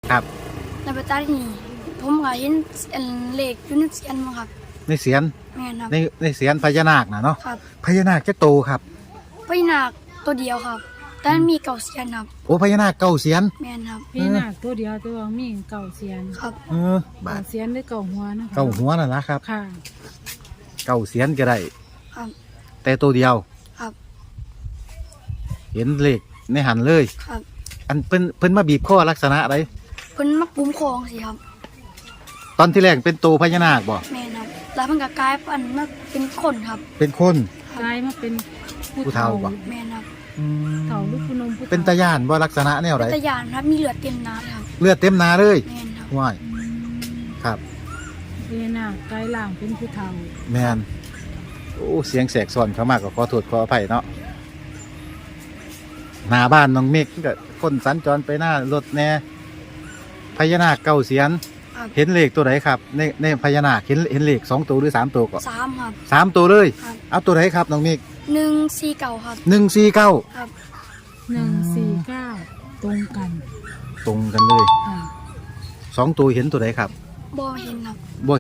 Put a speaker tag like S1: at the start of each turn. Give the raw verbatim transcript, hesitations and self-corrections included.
S1: ครับ
S2: แล้วไปตัดนี่ผมก็เห็นอันเลขอยู่ในเสียนมั้งครับ
S1: ในเสียน
S2: แม่นครับ
S1: ในในเสียนพญานาคน่ะเนาะ
S2: ครับ
S1: พญานาคจะโตครับ
S2: พญานาคตัวเดียวครับแต่มันมีเก่าเสียนครับ
S1: โอ้พญานาคเก้าเสียน
S2: แม่นครับ
S3: พี่นาคตัวเดียวตัวมีเก่าเสียน
S2: ครับ
S1: เออบา
S3: เก่า
S1: ด
S3: เสียนหรือเก่าหัวนะคะ
S1: เก้าหัวน่ะนะครับ
S3: ค่ะ
S1: เก้าเสียนก็ได้
S2: ครับ
S1: แต่ตัวเดียว
S2: ครับ
S1: เห็นเลขในหันเลย
S2: ครับ
S1: อันเพิ่นเพิ่นมาบีบข้อลักษณะอะไร
S2: เพิ่นมาปุ้มคองสิครับ
S1: ตอนที่แรกเป็นตัวพญานาคบ่
S2: แม่นครับแล้วมันก็กลายพันธุ์มาเป็นคนครับ
S1: เป็นคน
S3: กลายมาเป็นผู้
S1: ผู้เฒ่า
S3: เฒ่า
S1: ปะ
S2: แม่นครับ
S1: อืม
S3: เฒ่าลูกผู้นมผู้ฒ่
S1: เป็นตาย่านบ่ลักษณะแนวไหน
S2: ตะยานครับมีเลือดเต็มน้ำครับ
S1: เลือดเต็มหนาเลย
S2: แม่นครับ
S1: ว้ายครับ
S3: พี่นาคกลายล่างเป็นผู้เฒ่า
S1: แมนโอ้เสียงแสกซ้อนเขามากก็ขอโทษขออภัยเนาะหน้าบ้านน้องเมฆก็คนสัญจรไปหน้ารถแน่พญานาคเก้าเสียน
S2: ครับ
S1: เห็นเลขตัวไหนครับในในพญานาคเห็นเห็นเลขสองตัวหรือสามตัวก็
S2: สามครับ
S1: สามตัวเลย
S2: ครับ
S1: เอาตัวไหนครับน้องเมฆ
S2: หนึ่งสี่เก่าครับ
S1: หนึ่งสี่เก้า
S2: ครับ
S3: หนึ่งสี่เก้าตรงกัน
S1: ตรงกันเลย
S3: ค่ะ
S1: สองตัวเห็นตัวไหนครับ
S2: บ่เห็นครับ
S1: บ่